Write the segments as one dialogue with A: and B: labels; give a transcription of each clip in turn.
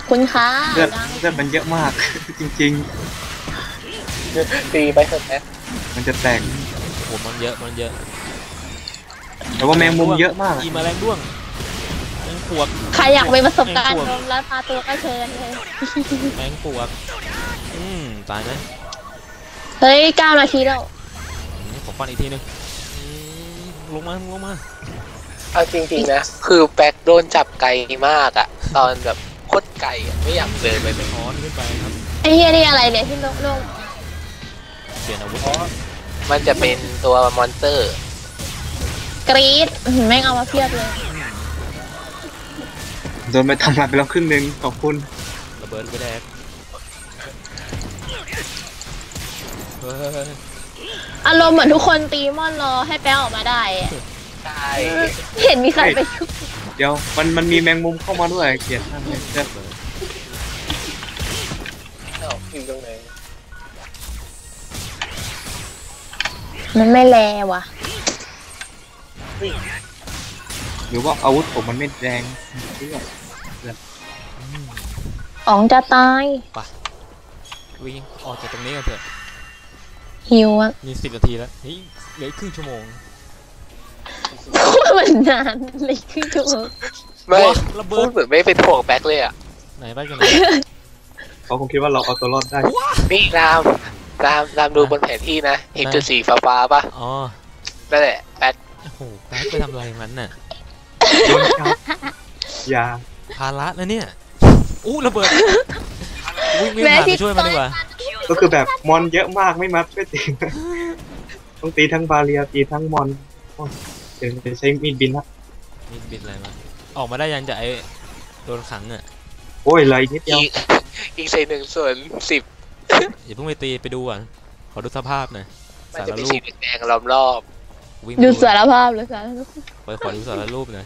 A: คุณค่ะ
B: เลือดมันเยอะมาก จริง
C: ตีไปเถอะแม็ก
B: ๆมันจะแตก
D: โอ้มันเยอะ
B: แต่ว่าแมงมุมเยอะมาก
D: อีแมลงด้วงแมงปวก
A: ใครอยากมีประสบการณ์นมแล้วพาตัวก็เชิญเลย
D: แมงปวกตายไหม
A: เฮ้ย9 นาทีแล้ว
D: ผมฟันอีกทีนึงลงมา
C: เอาจริงๆนะคือแบ็คโดนจับไกลมากอะตอนแบบโคตรไกลอะไม่อยากเดินไปเลย
D: ถอนขึ้นไปครับ
A: ไอ้เฮียนี่อะไรเนี่ยที่ลง
D: เปลี่ยนอาวุธ
C: มันจะเป็นตัวมอนสเตอร์
A: กรี๊ดแม่งเอามาเพียบเลย
B: โดนไปทำลายไปแล้วครึ่งนึงขอบคุณ
D: ระเบิดไปแดกเฮ้ย
A: อารมณ์เหมือนทุกคนตีมอนรอให้แป้งออกมาได้อะ
C: ใช่
A: เห็นมีใครไปชุบ
B: เดี๋ยวมันมีแมงมุมเข้ามาด้วยเกลียดท่านเลยเลือด
C: อยู่ตรงไหน
A: มันไม่แลว่ะ
B: หรือว่าอาวุธผมมันไม่แรงเลือด
A: อ๋องจะตาย
D: วิ่งออกจากตรงนี้กันเถอะ
A: หิวอะ
D: มี10 นาทีแล้วเฮ้ยเหลือครึ่งชั่วโมง
A: มันนานเลยคือถูก
C: ไม่
D: ระเบิ
C: พู
D: ด
C: ดเหมือนไม่เป็นห่วงแบ็คเลยอะ
D: ไหนไปกัน
B: เขาคงคิดว่าเราเอาตัวรอดได้
C: นี่รามดูบนแผนที่นะเห็นจุดสีฟ้าๆป่ะ
D: อ๋อ
C: นั่นแหละแบ็ค
D: โอ้โหแป๊บไปทำอะไรมันน่ะ
B: โดนจับยา
D: ภาระนะเนี่ยอู้ระเบิดวิ่งผ่านไปช่วยมันดีกว่า
B: ก็คือแบบมอนเยอะมากไม่มัดไม่ตีต้องตีทั้งบาเรียตีทั้งมอนเดี๋ยวจะใช้มีดบินละ
D: มีบิดอะไรมาออกมาได้ยังจะไอโดนขังอ่ะ
B: โอ้ยเลยนิดเดียว
C: อีก1/10
D: อย่าเพิ่งไปตีไปดูก่อนขอดูสภาพหน่อย
C: มัน
D: สาร
C: จะมี
D: รู
C: สี
D: ป
C: แดงๆล้อมรอบ
D: วิ่ง
A: ดูสารภาพเลยสารภาพ
D: ขอดูสารรูปหน่อย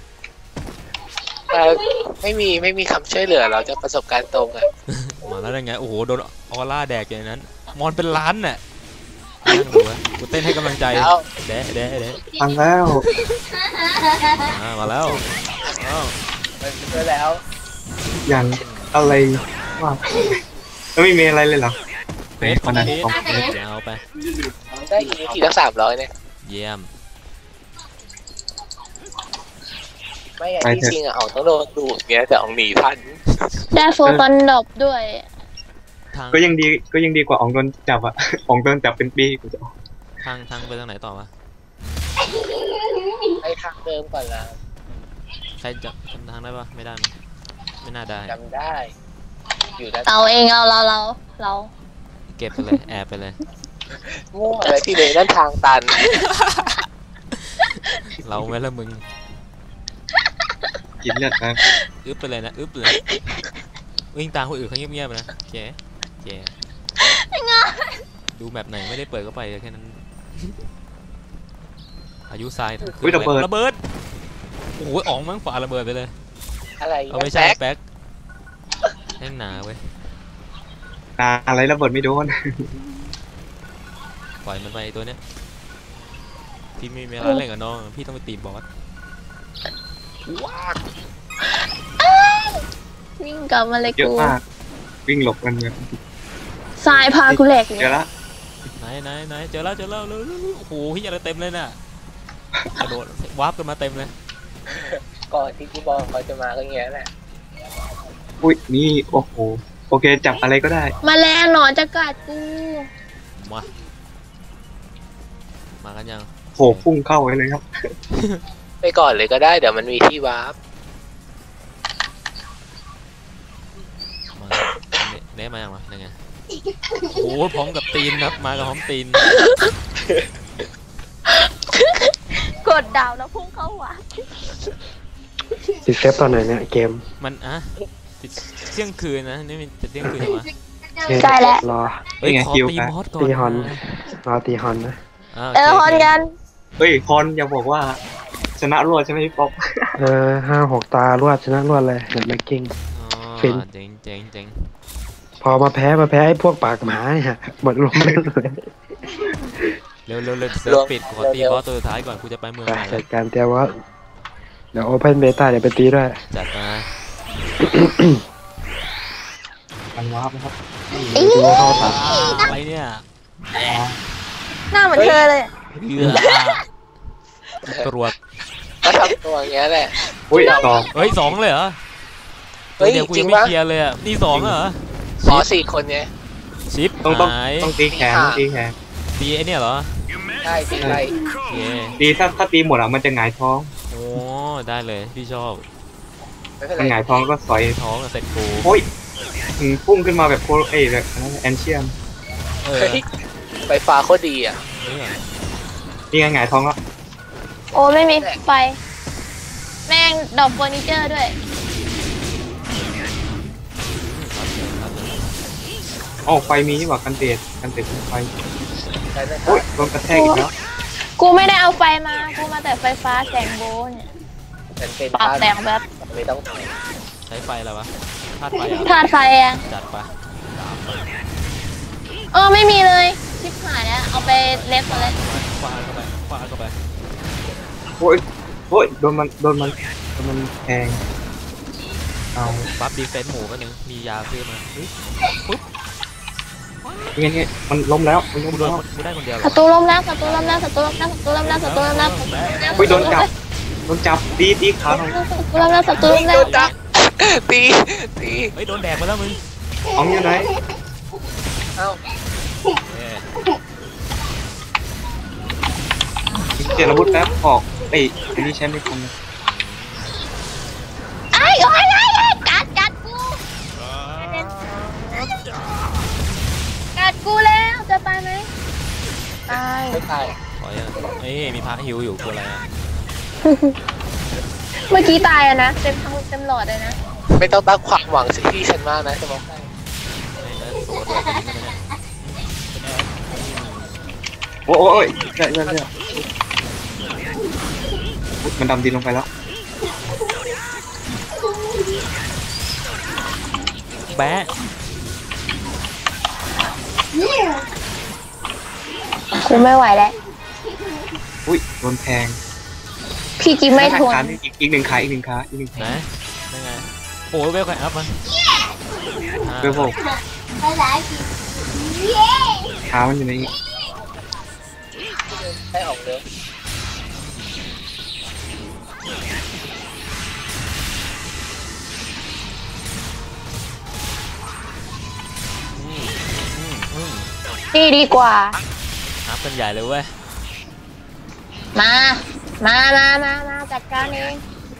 C: ไม่มีคำช่วยเหลือเราจะประสบการณ์ตรงอะ
D: มาแล้วได้ไงโอ้โหโดนออร่าแดกอย่างนั้น มอนเป็นล้านน่ะนั่งดูวะกูเต้นให้กำลังใจ
C: แล้ว
D: แดะ
B: ฟังแล้ว
D: มาแล้วอ้าว
C: มันช่วยแล้ว
B: อย่างอะไรว่าแล้วไม่มีอะไรเลยเหรอ
D: เฟสของ
B: นั้น
D: เฟส
B: ของเฟส
D: เอาไป
C: ได้อีกทีละ300เนี่ย
D: เยี่ยม
C: ไม่อย่างที่จริงอะอ๋องต้องโดนดูดเงี้ยแต่อ๋องหนีทัน
A: ได้โฟตอนดอบด้วย
D: ทาง
B: ก็ยังดีกว่าอ๋องโดนจับอะอ๋องโดนจับเป็นปีกูจะออก
D: ทางไปทางไหนต่อวะ
C: ไปทางเดิมก่อนละ
D: ใครจะจำทางได้ปะไม่ได้มั้ยไม่น่าได้
C: จำได้ อยู่ด้าน
A: เราเองเรา
D: เก็บไปเลยแอบไปเลย
C: มั่วอะไรที่เลยด้านทางตัน
D: เราไหมละมึง
B: กินเลือดนะ
D: อึ๊บไปเลยนะอึ๊บเลยวิ่งตามคนอื่นเขาเงียบๆนะโอเคดูแบบไหนไม่ได้เปิดก็ไปแค่นั้นอายุทรายระเบิดโอ้โหอ๋องมั้งฝ่าระเบิดไปเลย
C: อะไร
D: เอาไม่ใช่แป๊กแห้งหนาเว้ย
B: อะไรระเบิดไม่โดน
D: ปล่อยมันไปตัวเนี้ยพี่ไม่มีอะไรเล่นกับน้องพี่ต้องไปตีบอส
A: วิ่งกลับมาเลย
B: เยอะ
A: กู
B: มากวิ่งหลบกันแบบ
A: ทรายพากูแหลกเล
B: เจอย ละ
D: ไหนเจอแล้วเร็วโอ้โหพี่อะไรเต็มเลยน่ะกระโดดวาร์ปกันมาเต็มเลย
C: ก่อนที่พี่บอลเขาจะมาก็เงี้ยแหละ
B: อุ้ยนี่โอ้โหโอเคจับอะไรก็ได้
A: มาแรงหนอนจะกัดกู
D: มากันยัง
B: โหพุ่งเข้าไว้เลยครับ
C: ไปก่อนเลยก็ได้เดี๋ยวมันมีที่วาร์ป
D: มาเนะมายังวะยังไงโอ้โหพร้อมกับตีนครับมากับพร้อมตีน
A: กดดาวแล้วพุ่งเข้าหัว
E: ติดเซฟตอนไหนเนี่ยเกม
D: มันติดเที่ยงคืนนะนี่มันจะเที่ยงคืนเหรอวะ
A: ใช่แล้ว
E: รอ
D: เฮ้ยขอตีมอสก่อน
E: ตีฮอนรอตีฮอนนะ
A: ฮอนกัน
B: เฮ้ยคอนอย่าบอกว่าชนะรวดใช่ไหมพี่ป๊อป
E: 5-6 ตารวดชนะรวดเลยเดอะแม็กกิ้ง ฟิน
D: เจ๋ง
E: พอมาแพ้ไอ้พวกปากหมาเนี่ยหมดลมเลย
D: เร็วเซิร์ฟปิดขอตีบอสตัวสุดท้ายก่อนกูจะไปเมือง
E: ไป
D: ใหม่
E: จัดการเตรียมว่าเดี๋ยวโอเพนเบต้าเดี๋ยวไปตีด้วย
D: จัดมา
B: กันวาร์ปนะครับ
D: นี่
B: ดูเข้าตา
D: อะไรเนี่ย
A: หน้าเหมือนเธอเลย
D: เอือตรวจ
C: ก็ทำตัวอย่างเงี้ยแหละ
B: อุ้ยต่อ
D: เฮ้ยสองเลยเหรอ
C: เฮ้ย
D: เดี๋ยวกู
C: จริ
D: ยัง
C: ง
D: ไม่
C: ปะ
D: เคลียร์เลยอ่ะนี่สองเหรอ
C: อ๋อสี่คนเนี้ย
D: ชิป
B: ต้อง
D: หาย
B: ตีแขนต้องตีแขน
D: ตีไอเนี่ยเหรอ
C: ได้ตีไร
D: โอเค
B: ตีถ้าตีหมดอ่ะมันจะหงายท้อง
D: โอ้ได้เลยพี่ชอบ
C: ไม่เป็น
B: มันห
C: ไรง
B: ายท้องก็สอย
D: ท้องกับเซ็ตกู
B: โอ้ยพุ่งขึ้นมาแบบโคเอ้ยแบบแอนเชียม
D: เออ
C: เฮ้ยไฟฟ้าโคตรดีอ่ะ
B: นี่ไงหงายท้องแล้ว
A: โอ้ไม่มีไฟ แม่งดอกเฟอร์นิเจอร์ด้วย
B: อ๋อไฟมีนี่หว่ากันเตะไฟ
C: ใช่ไหมครั
B: โอ้ย
C: บ
B: โดนกระแทกอีกแล้ว
A: กูไม่ได้เอาไฟมา กูมาแต่ไฟฟ้าแสงโบเนี่ย
C: เป็นเป็น
A: ปรับแสงแบบ
C: ไม่ต้อง
D: ใช้ไฟอะไรวะธาตุไฟเหรอ่ะ
A: ธาตุไฟอะ
D: จัดปะ
A: ไม่มีเลย ชิบหายแล้ว เอาไปเล็บมาเลย
D: ฟาดเข้าไปฟาดเข้าไป
B: โอ้ยโดนมันแทงเอา
D: บัฟดีเฟนส์หมูก็นึงมียาซื้อมาเฮ้ย
B: นี่มันล้มแล้วมันล้ม
D: กูโด
B: แล้
D: น
B: ว
D: กูได้คนเดียวเหร
A: ศั
D: อ
A: ตรูล้มแล้วศัตรูล้มแล้วศัตรูล้มแล้วศัตรูล้มแล้วศัตรูล้มแล้ว
B: โอ้ยโดนจับตีขาหน่อย
A: ศัตรูล้มแล้วศัตรูล้มแล้
C: โด
A: วน
C: จับตีตี
D: เฮ้ยโดนแดกมาแล้วมึง
B: อ๋องอยู่ไหน
C: เอ้า
D: เอ้ย
B: เจรบุตรแป๊บออกไอ้อันนี้ใช้ไม่ทัน
A: ไอ้กัดกูกัดกูแล้วจะตายไหมตาย
C: ไม่ตาย
D: ถอยอ่ะเอ้ยมีพระฮิวอยู่กูอะไรอ่ะ
A: เมื่อกี้ตายอะนะเต็มหลอดเลยนะ
C: ไม่ต้องตั้งความหวังสิที่ฉันมากนะจะบอกให้
D: ไม่นะตัวตัวคนนี้ก็ไม่ได้
B: โอ้ยใช่มันดำดินลงไปแล้ว
D: แบะ
A: กูไม่ไหวแล้ว
B: อุ้ยโดนแทง
A: พี่กิ๊กไม่ทน
B: อีกหนึ่งขา
D: นะได้ไงโอ้ยเวลใครอัพมา
B: เวลโบขามันอยู่ในนี้
C: ให้ออกเร็ว
A: นี่ดีกว่า
D: อัพกันใหญ่เลยเว้ย
A: มาจัดการเอง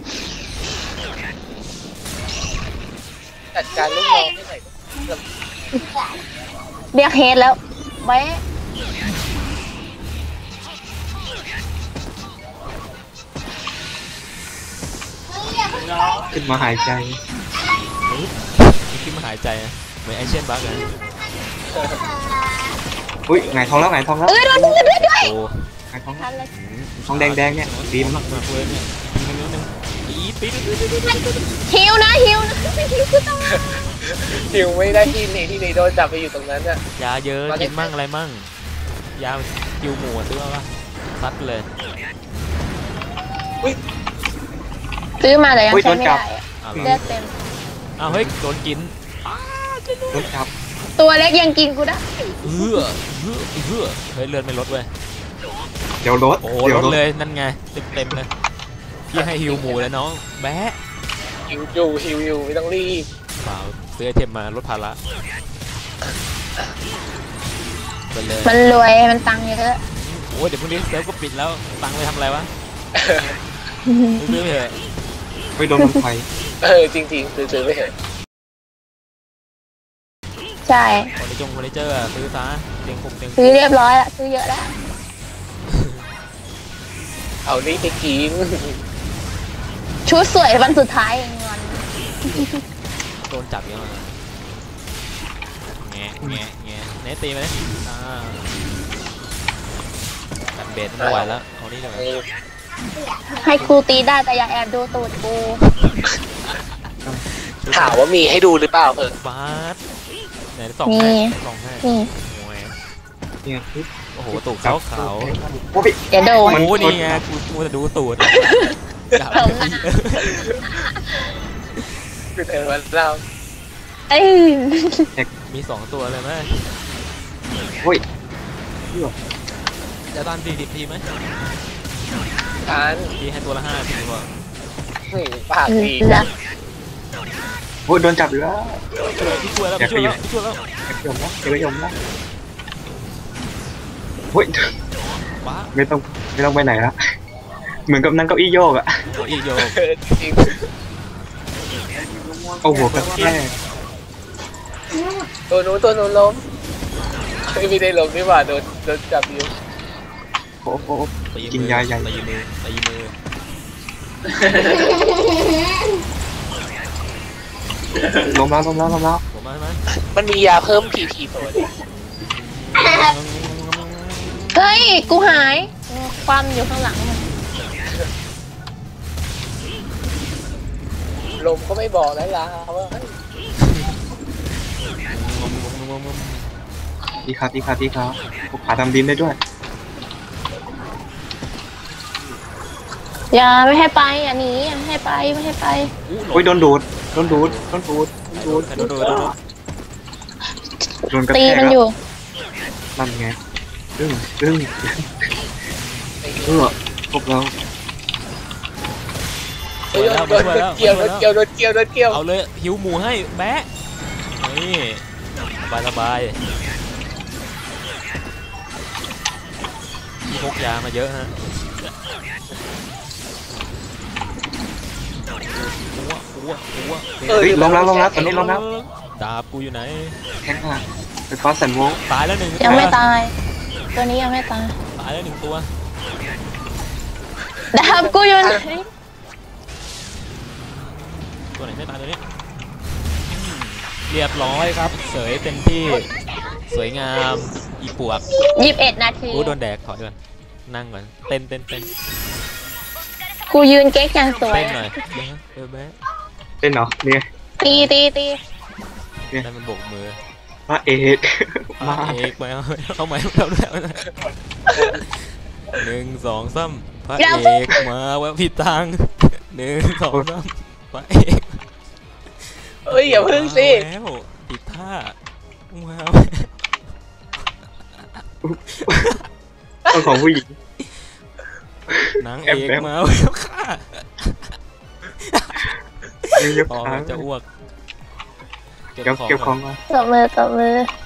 C: จัดการลูกน้องให้หน่อย
A: เรียกเฮดแล้วไว้
B: ขึ้นมาหายใจ
D: นี่ขึ้นมาหายใจอะเหมือนไอเชียนบักเลย
B: อุ้ยหงายท้องแล้ว
A: โดนด้วย
D: โอ้
B: หงายท้อง
A: ทันเลย
B: ท้องแดงเนี่ยดี
D: มาม
B: าก
D: มาเลยเนี่ยปีนึงปี
A: ฮิวนะฮิวกูต้อง
C: หิวไม่ได้ที่นี่โดนจับไปอยู่ตรงนั้นอ่ะ
D: ยาเยอะกินมั่งอะไรมั่งยาคิวหมูซื้อมาปะซัดเลย
A: ซื้อมาแต่ยังใช้ไม่ได้อะ
D: อ้าว
A: เลือดเต็ม
D: อ้าวเฮ้ยโดนกิน
B: รถจับ
A: ตัวเล็กยังกินกูได้
D: เฮ้ยเลือดไม่ลดเว้ย
B: เดี๋ยวรถ
D: โอ้ลดเลยนั่นไงเต็มเลยพี่ให้ฮิวหมูแล้วน้องแบะ
C: หิวอยู่ไม่ต้องรีบ
D: เปล่าซื้อไอเทมมาลดภาระไปเลย
A: มันรวยมันตังค์เยอะ
D: โอ้ยเดี๋ยวพรุ่งนี้เซิร์ฟก็ปิดแล้วตังค์ไปทำอะไรวะซื้อไปเถอะ
B: ไปโดนมันไฟ
C: จริงๆซื้อไปเถอะ
A: ใช่
D: เฟอร์นิเจอร์อะซื้อซะเตียงผมเตียง
A: ซื้อเรียบร้อยละซื้อเยอะแล้ว
C: เอานี่ไปกิน
A: ชุดสวยวันสุดท้ายเองงอน
D: โดนจับเยอะมากแงะเนตตีไหมตัดเบสไม่ไหวแล้วเอานี่เลย
A: ให้ครูตีได้แต่อย่าแอบดูตูดกู
C: ถามว่ามีให้ดูหรือเปล่า
D: บาสไหนส่องให้ส่องให้
A: นี่
D: โอ้ย
B: เนี่ย
D: โอ้โหตูดเขาขาว
B: โอ้ย
A: เดี๋ยวโดน
D: โอ้นี่ไงกูมัวแต่ดูตูด
C: คือเธอวันเรา
A: เอ้ย
D: มี2ตัวเลยไหม
B: โอ้ย
D: จะตัน40 ทีไหม
C: การ
D: ทีให้ตัวละ5 ทีกว่า
C: ปากดี
A: แล้ว
B: โอ้ยโดนจับอยู่แล้ว
D: พี่ช่วยแล้วพี่ช่วยแล้วพี่ช่วยแล้ว
B: เก็บยมแล้วเก็บยมแล้วโอ้ย
D: ว้า
B: ไม่ต้องไปไหนละเหมือนกับนั่งเก้าอี้โยกอะ
D: ตัวอีโย
C: จริง
B: เอาหัวกระแทก
C: ตัวนู้นล้มไม่ได้ล้มนี่หว่าโดนจับอยู่
B: โอ้โห
D: ตี
B: กิน
D: มือย
B: าใหญ่
D: ตีมือ
B: ล้มแล้ว
D: ผมมาไหม
C: มันมียาเพิ่มผีตัวนี้
A: เฮ้ยกูหายความอยู่ข้างหลังมัน
C: ลมก็ไม่บอกแล้วล่ะว่า
B: ดีครับพวกขาทำดินได้ด้วย
A: อย่าไม่ให้ไปอย่าหนีอย่าไม่ให้ไปไม่ให้ไป
B: โอ้ยโดนดูดโดนกระ
A: ตี
B: แทก
A: มัน
B: แล้ว
A: อยู่
B: นั่นไงซึ่งพวกเรา
C: โดนเกี่ยว
D: เอาเลยหิวหมูให้แบะนี่สบายพี่พกยามาเยอะฮะ
B: เฮ้ยล้มแล้วตอนนี้ล้มแล้ว
D: ดาบกูอยู่ไหน
B: แข้งอ่ะไฟฟ้าแสนโวลต์
D: ตายแล้ว1
A: ยังไม่ตาย ตัวนี้ยังไม่ตาย
D: ตายแล้ว1 ตัว
A: ดาบกูอยู่ไหน
D: ตัวไหนไม่ตายตัวนี้เรียบร้อยครับเสยเต็มที่สวยงามอีปวก
A: 21 นาที
D: โดนแดกถอยก่อนนั่งก่อนเต้น
A: กูยืนเก๊กอย่างสวย
D: เต้นหน่อยแบะ
B: เต้นเหรอเนี่ย
A: ตี
D: ได้มันโบกมือ
B: พระเอก
D: มาเอกมาเข้ามาแล้วด้วย1 2 3พระเอกมาแวะผิดทาง1 2 3พระเอก
C: เอ้ยอย่าพึ่งสิ
D: แล้วผิดท่าว้าว
B: ต้องของผู้หญิง
D: นางเอกมาแล้วค่ะ
B: ยก
D: พอ
B: ขา
D: จะอ้วก
B: เก็บของมา
A: ตบมือ